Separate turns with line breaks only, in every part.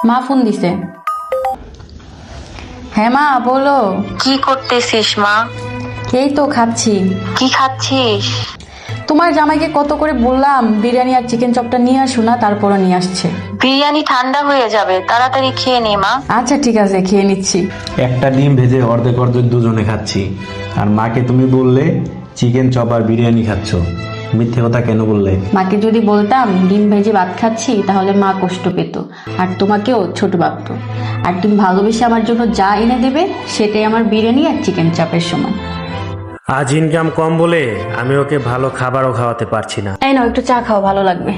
মা ফোন দিছে। হ্যাঁ মা বলো।
কি করতেছিস মা?
এই তো খাচ্ছি।
কি খাচ্ছিস?
তোমার জামাইকে কত করে বললাম বিরিয়ানি আর চিকেন চপটা নিয়ে আসো না, তারপরও নিয়ে আসছে।
বিরিয়ানি ঠান্ডা হয়ে যাবে, তাড়াতাড়ি খেয়ে নে মা।
আচ্ছা ঠিক আছে, খেয়ে নিচ্ছি।
একটা ডিম ভেজে অর্ধেক অর্ধেক দুজনে খাচ্ছি, আর মাকে তুমি বললে চিকেন চপ আর বিরিয়ানি খাচ্ছ। মিথ্যে কথা কেন বললে?
মাকে যদি বলতাম ডিম ভেজে ভাত খাচ্ছি তাহলে মা কষ্ট পেত আর তোমাকেও ছোট ভাবতো। আর তুমি ভালোবেসে আমার জন্য যা এনে দেবে সেটাই আমার বিরিয়ানি আর চিকেন চপের সমান।
আজ ইনকাম কম বলে আমি ওকে ভালো খাবারও খাওয়াতে পারছি না।
এই নাও একটু চা খাও, ভালো লাগবে।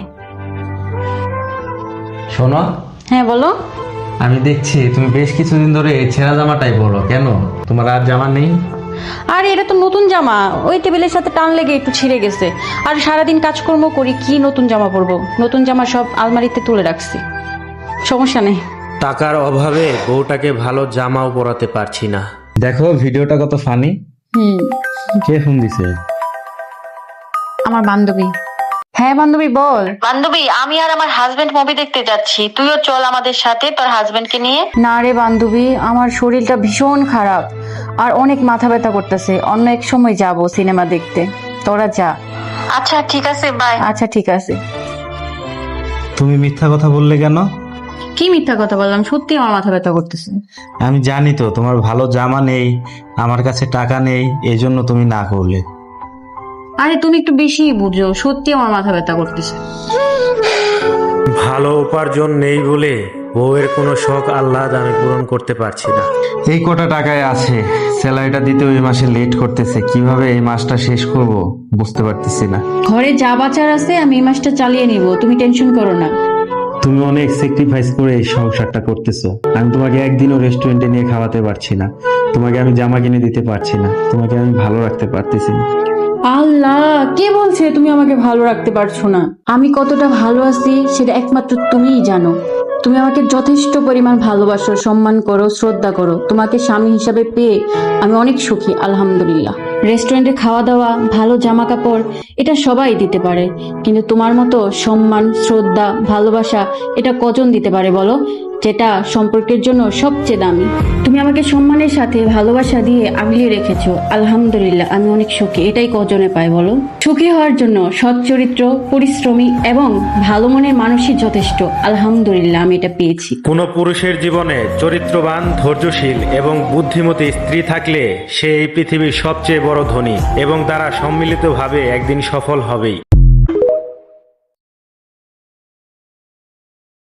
শোনো,
হ্যাঁ বলো।
আমি দেখছি তুমি বেশ কিছুদিন ধরে এই ছেঁড়া জামাটাই পরো, কেন? তোমার আর জামা নেই?
আর এটা তো নতুন জামা, ওই টেবিলের সাথে টান লেগে একটু ছিঁড়ে গেছে। আর সারাদিন কাজকর্ম করি, কি নতুন জামা পরবো? নতুন জামা সব আলমারিতে তুলে রাখছি, সমস্যা নেই।
টাকার অভাবে বউটাকে ভালো জামাও পরাতে পারছি না।
দেখো ভিডিওটা কত ফানি। কে ফোন দিছে?
আমার বান্ধবী। হ্যাঁ বান্ধবী বল।
বান্ধবী, আমি আর আমার হাজবেন্ড মুভি দেখতে যাচ্ছি, তুইও চল আমাদের সাথে তোর হাজবেন্ডকে নিয়ে।
না রে বান্ধবী, আমার শরীরটা ভীষণ খারাপ আর অনেক মাথা ব্যথা করতেছে। অন্য এক সময় যাব সিনেমা দেখতে, তোরা যা।
আচ্ছা ঠিক আছে, বাই।
আচ্ছা ঠিক আছে।
তুমি মিথ্যা কথা বললে কেন?
কি মিথ্যা কথা বললাম? সত্যি আমার মাথা ব্যথা করতেছে।
আমি জানি তো তোমার ভালো জামা নেই, আমার কাছে টাকা নেই, এই জন্য তুমি না করলে।
আরে তুমি একটু বেশিই বুঝো, সত্যি আমার মাথা ব্যথা করতেছে।
ভালো উপার্জন নেই বলে বউয়ের কোনো শখ আহ্লাদ আমি পূরণ করতে পারছি না।
এই কটা টাকায় আছে, স্যালারিটা দিতে ওই মাসে লেট করতেছে, কিভাবে এই মাসটা শেষ করব বুঝতে পারতেছি না।
ঘরে যা বাচার আছে আমি এই মাসটা চালিয়ে নিব, তুমি টেনশন করো না।
তুমি অনেক স্যাক্রিফাইস করে এই সংসারটা করতেছো। আমি তোমাকে একদিনও রেস্টুরেন্টে নিয়ে খাওয়াতে পারছি না, তোমাকে আমি জামা কিনে দিতে পারছি না, তোমাকে আমি ভালো রাখতে পারতেছি না।
আল্লাহ, কে বলছে তুমি আমাকে ভালো রাখতে পারছো না? আমি কতটা ভালো আছি সেটা একমাত্র তুমিই জানো। তুমি আমাকে যথেষ্ট পরিমাণ ভালোবাসো, সম্মান করো, শ্রদ্ধা করো। তোমাকে স্বামী হিসাবে পেয়ে আমি অনেক সুখী, আলহামদুলিল্লাহ। রেস্টুরেন্টে খাওয়া দাওয়া, ভালো জামা কাপড় এটা সবাই দিতে পারে, কিন্তু তোমার মতো সম্মান, শ্রদ্ধা, ভালোবাসা এটা কজন দিতে পারে বলো? যেটা সম্পর্কের জন্য সবচেয়ে দামি। তুমি আমাকে সম্মানের সাথে ভালোবাসা দিয়ে আগলিয়ে রেখেছো, আলহামদুলিল্লাহ। আমি অনেক সুখী, এটাই কজনে পায় বলো? সুখী হওয়ার জন্য সৎ চরিত্র, পরিশ্রমী এবং ভালো মনের মানুষই যথেষ্ট, আলহামদুলিল্লাহ আমি এটা পেয়েছি।
কোনো পুরুষের জীবনে চরিত্রবান, ধৈর্যশীল এবং বুদ্ধিমতী স্ত্রী থাকলে সে এই পৃথিবীর সবচেয়ে বড় ধনী এবং তারা সম্মিলিতভাবে একদিন সফল হবেই।